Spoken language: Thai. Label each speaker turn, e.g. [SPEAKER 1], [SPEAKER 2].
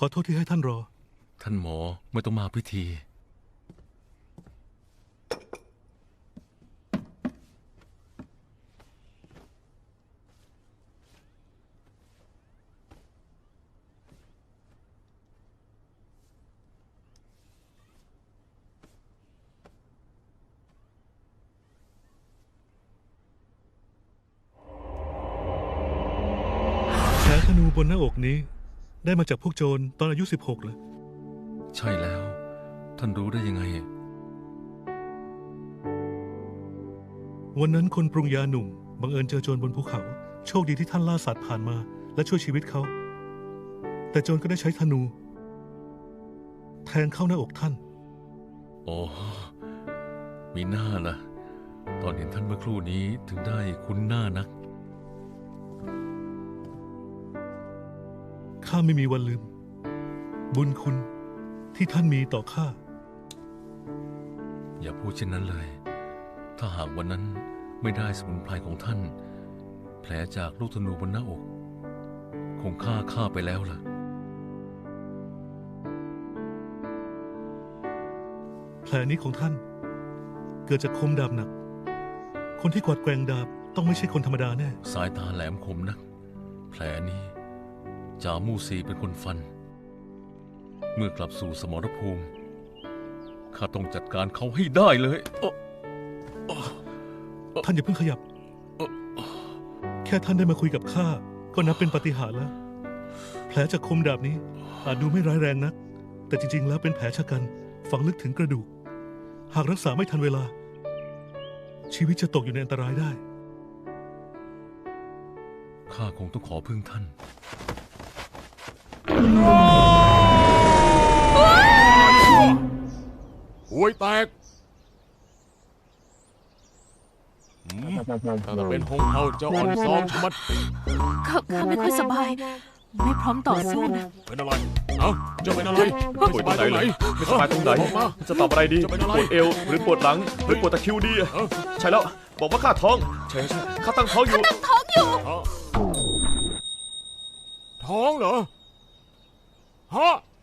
[SPEAKER 1] อโทษที่ให้ท่านรอ
[SPEAKER 2] ท่านหมอไม่ต้องมาพิธี
[SPEAKER 1] แผลธนูบนหน้าอกนี้ได้มาจากพวกโจรตอนอายุ16เหรอ
[SPEAKER 2] ใช่แล้ว ท่านรู้ได้ยังไง
[SPEAKER 1] วันนั้นคนปรุงยาหนุ่มบังเอิญเจอโจรบนภูเขาโชคดีที่ท่านล่าสัตว์ผ่านมาและช่วยชีวิตเขาแต่โจรก็ได้ใช้ธนู แทงเข้าหน้าอกท่าน
[SPEAKER 2] โอ้มีหน้าล่ะตอนเห็นท่านเมื่อครู่นี้ถึงได้คุ้นหน้านัก
[SPEAKER 1] ข้าไม่มีวันลืมบุญคุณที่ท่านมีต่อข้า
[SPEAKER 2] อย่าพูดเช่นนั้นเลยถ้าหากวันนั้นไม่ได้สมุนไพรของท่านแผลจากลูกธนูบนหน้าอกคงฆ่าข้าไปแล้วล่ะ
[SPEAKER 1] แผลนี้ของท่านเกิดจากคมดาบหนักคนที่กวาดแกว่งดาบต้องไม่ใช่คนธรรมดาแน่
[SPEAKER 2] สายตาแหลมคมนักแผลนี้จามูซีเป็นคนฟันเมื่อกลับสู่สมรภูมิข้าต้องจัดการเขาให้ได้เลย
[SPEAKER 1] ท่านอย่าเพิ่งขยับแค่ท่านได้มาคุยกับข้าก็นับเป็นปาฏิหาริย์แล้วแผลจากคมดาบนี้อาจดูไม่ร้ายแรงนักแต่จริงๆแล้วเป็นแผลชะกันฝังลึกถึงกระดูกหากรักษาไม่ทันเวลาชีวิตจะตกอยู่ในอันตรายได้
[SPEAKER 2] ข้าคงต้องขอพึ่งท่าน
[SPEAKER 3] ห่วยแตกถ้าเป็นหงเฮาจะอ่อนซ้อมชะมัด
[SPEAKER 4] ข้าไม่ค่อยสบายไม่พร้อมต่อสู้นะ
[SPEAKER 3] เป็นอะไรเอ้าจะเป็นอะไร
[SPEAKER 5] ปวดตรงไหนไม่สบายตรงไหนจะตอบอะไรดีปวดเอวหรือปวดหลังหรือปวดตะคริวดีใช่แล้วบอกว่าข้าท้องใช่ข้าตั้งท้องอยู่
[SPEAKER 3] ท้องเหรอฮะ